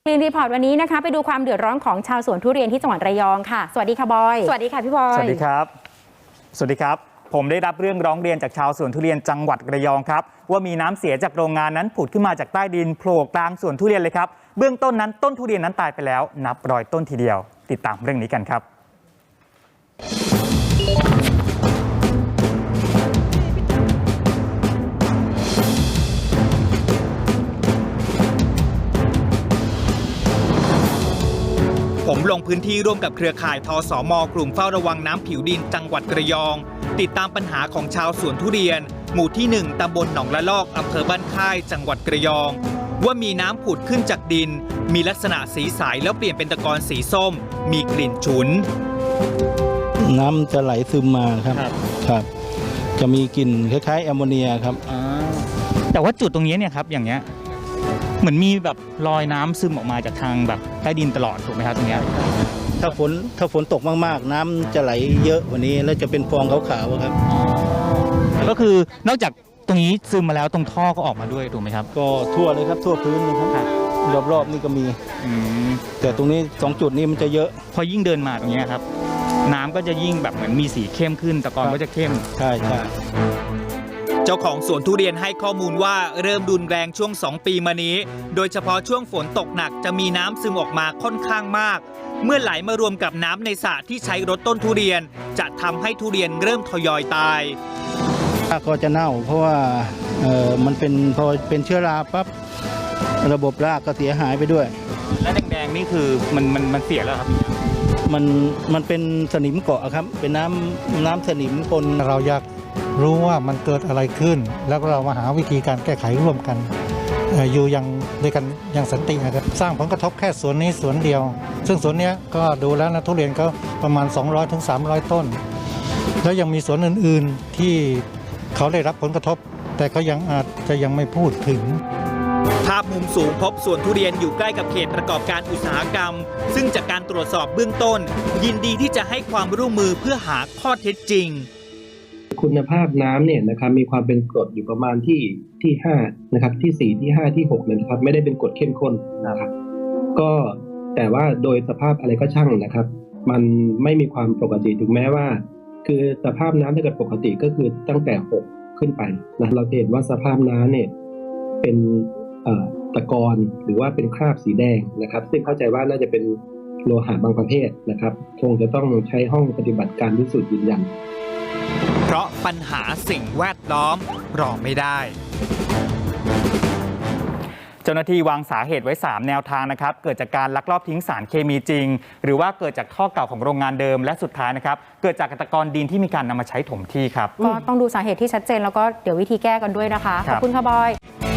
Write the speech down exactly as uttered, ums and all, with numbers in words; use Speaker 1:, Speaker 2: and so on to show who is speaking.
Speaker 1: รีนรีพอร์ตวันนี้นะคะไปดูความเดือดร้อนของชาวสวนทุเรียนที่จังหวัดระยองค่ะสวัสดีค่ะบอยสวัสดีค่ะพี่บอย
Speaker 2: สวัสดีครับสวัสดีครับผมได้รับเรื่องร้องเรียนจากชาวสวนทุเรียนจังหวัดระยองครับว่ามีน้ำเสียจากโรงงานนั้นผุดขึ้นมาจากใต้ดินโผล่กลางสวนทุเรียนเลยครับเบื้องต้นนั้นต้นทุเรียนนั้นตายไปแล้วนับร้อยต้นทีเดียวติดตามเรื่องนี้กันครับ
Speaker 3: ผมลงพื้นที่ร่วมกับเครือข่ายทสม.กลุ่มเฝ้าระวังน้ำผิวดินจังหวัดระยองติดตามปัญหาของชาวสวนทุเรียนหมู่ที่หนึ่งตำบลหนองละลอกอำเภอบ้านค่ายจังหวัดระยองว่ามีน้ำผุดขึ้นจากดินมีลักษณะสีใสแล้วเปลี่ยนเป็นตะกอนสีส้มมีกลิ่นฉุน
Speaker 4: น้ำจะไหลซึมมาครับครับจะมีกลิ่นคล้ายๆแอมโมเนียครับ
Speaker 2: แต่ว่าจุดตรงนี้เนี่ยครับอย่างเงี้ยเหมือนมีแบบรอยน้ำซึมออกมาจากทางแบบใต้ดินตลอดถูกไหมครับตรงนี้
Speaker 4: ถ้าฝนถ้าฝนตกมากๆน้ำจะไหลเยอะกว่านี้แล้วจะเป็นฟองขาวๆครับ
Speaker 2: ก็คือนอกจากตรงนี้ซึมมาแล้วตรงท่อก็ออกมาด้วยถูกไหมครับ
Speaker 4: ก็ทั่วเลยครับทั่วพื้นนะครับรอบๆนี่ก็มีแต่ตรงนี้สองจุดนี้มันจะเยอะ
Speaker 2: พอยิ่งเดินมาตรงนี้ครับน้ำก็จะยิ่งแบบเหมือนมีสีเข้มขึ้นตะกอนก็จะเข้ม
Speaker 4: ใช่ใช่
Speaker 3: เจ้าของสวนทุเรียนให้ข้อมูลว่าเริ่มรุนแรงช่วงสองปีมานี้โดยเฉพาะช่วงฝนตกหนักจะมีน้ำซึมออกมาค่อนข้างมากเมื่อไหลมารวมกับน้ำในสระที่ใช้รดต้นทุเรียนจะทำให้ทุเรียนเริ่มทยอยตาย
Speaker 4: รากก็จะเน่าเพราะว่าเออมันเป็นพอเป็นเชื้อราปั๊บระบบรากก็เสียหายไปด้วย
Speaker 2: และแดงๆนี่คือมันมันมันเสียแล้วครับ
Speaker 4: มันมันเป็นสนิมเกาะครับเป็นน้ำน้ำสนิมปน
Speaker 5: เราอยากรู้ว่ามันเกิดอะไรขึ้นแล้วเรามาหาวิธีการแก้ไขร่วมกันอยู่อย่างด้วยกันอย่างสันตินะครับสร้างผลกระทบแค่สวนนี้สวนเดียวซึ่งสวนนี้ก็ดูแล้วนะทุเรียนก็ประมาณ สองร้อยถึงสามร้อย ต้นแล้วยังมีสวนอื่นๆที่เขาได้รับผลกระทบแต่เขายังอาจจะยังไม่พูดถึง
Speaker 3: ภาพมุมสูงพบสวนทุเรียนอยู่ใกล้กับเขตประกอบการอุตสาหกรรมซึ่งจากการตรวจสอบเบื้องต้นยินดีที่จะให้ความร่วมมือเพื่อหาข้อเท็จจริง
Speaker 6: คุณภาพน้ำเนี่ยนะครับมีความเป็นกรดอยู่ประมาณที่ที่ห้านะครับที่สี่ที่ห้าที่หกเนี่ยนะครับไม่ได้เป็นกรดเข้มข้นนะครับก็แต่ว่าโดยสภาพอะไรก็ช่างนะครับมันไม่มีความปกติถึงแม้ว่าคือสภาพน้ำถ้าเกิดปกติก็คือตั้งแต่หกขึ้นไปนะเราเห็นว่าสภาพน้ำเนี่ยเป็นตะกอนหรือว่าเป็นคราบสีแดงนะครับซึ่งเข้าใจว่าน่าจะเป็นโลหะบางประเภทนะครับคงจะต้องใช้ห้องปฏิบัติการพิสูจน์ยืนยัน
Speaker 3: เพราะปัญหาสิ่งแวดล้อมรอไม่ได้
Speaker 2: เจ้าหน้าที่วางสาเหตุไว้สามแนวทางนะครับเกิดจากการลักลอบทิ้งสารเคมีจริงหรือว่าเกิดจากท่อเก่าของโรงงานเดิมและสุดท้ายนะครับเกิดจากตะกอนดินที่มีการนำมาใช้ถมที่ครับ
Speaker 1: ก็ต้องดูสาเหตุที่ชัดเจนแล้วก็เดี๋ยววิธีแก้กันด้วยนะคะขอบคุณค่ะบอย